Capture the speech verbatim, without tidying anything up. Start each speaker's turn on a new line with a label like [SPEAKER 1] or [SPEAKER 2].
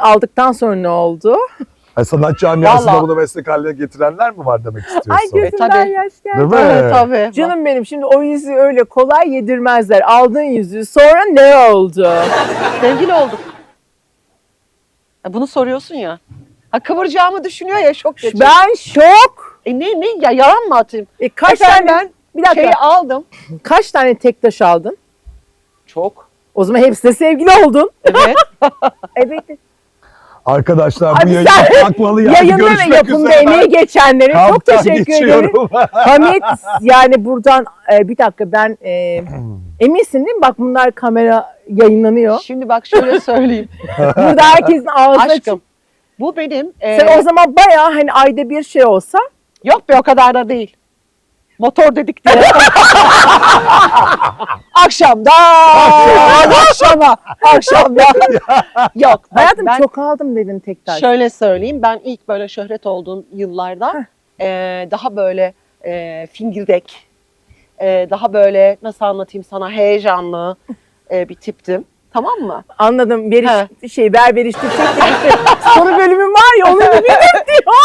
[SPEAKER 1] aldıktan sonra ne oldu?
[SPEAKER 2] Yani sanat camiasında
[SPEAKER 3] Vallahi.
[SPEAKER 2] bunu meslek haline getirenler mi var demek istiyorsun?
[SPEAKER 1] Ay gözümden
[SPEAKER 3] tabii.
[SPEAKER 1] yaş geldi.
[SPEAKER 2] Değil mi?
[SPEAKER 3] Tabii tabii.
[SPEAKER 1] Canım benim, şimdi o yüzüğü öyle kolay yedirmezler. Aldığın yüzüğü sonra ne oldu?
[SPEAKER 3] Sevgili olduk. Ya bunu soruyorsun ya. Ha, kıvıracağımı düşünüyor ya, şok geçirdim.
[SPEAKER 1] Ben şok.
[SPEAKER 3] E ne ne ya, yalan mı atayım?
[SPEAKER 1] E kaç
[SPEAKER 3] Efendim,
[SPEAKER 1] tane bir dakika.
[SPEAKER 3] Şeyi aldım.
[SPEAKER 1] Kaç tane tek taş aldın?
[SPEAKER 3] Çok.
[SPEAKER 1] O zaman hepsine sevgili oldun.
[SPEAKER 3] Evet.
[SPEAKER 1] Evet.
[SPEAKER 2] Arkadaşlar bu
[SPEAKER 1] Abi
[SPEAKER 2] yayın
[SPEAKER 1] sen
[SPEAKER 2] kapatmalı yani.
[SPEAKER 1] Yayında ve
[SPEAKER 2] Görüşmek
[SPEAKER 1] yapımda
[SPEAKER 2] üzere.
[SPEAKER 1] emeği geçenlere çok
[SPEAKER 2] Kamptan
[SPEAKER 1] teşekkür ederim.
[SPEAKER 2] geçiyorum.
[SPEAKER 1] Hamit, yani buradan e, bir dakika ben e, eminsin değil mi? Bak bunlar kamera yayınlanıyor.
[SPEAKER 3] Şimdi bak şöyle söyleyeyim.
[SPEAKER 1] Burada herkesin ağzı açık.
[SPEAKER 3] Aşkım. Bu benim. e,
[SPEAKER 1] Sen o zaman bayağı hani ayda bir şey olsa
[SPEAKER 3] Yok be, o kadar da değil. Motor dedik diye. Akşamda. akşama. Akşamda. Yok. bak
[SPEAKER 1] hayatım
[SPEAKER 3] ben
[SPEAKER 1] çok aldım dedin tek taş.
[SPEAKER 3] şöyle söyleyeyim. Ben ilk böyle şöhret olduğum yıllarda e, daha böyle e, fingirdek, e, daha böyle nasıl anlatayım sana, heyecanlı e, bir tiptim. Tamam mı?
[SPEAKER 1] Anladım. Beriş
[SPEAKER 3] He.
[SPEAKER 1] şey berberişte çekti. Soru bölümü var ya onu bilmiyorum diyor.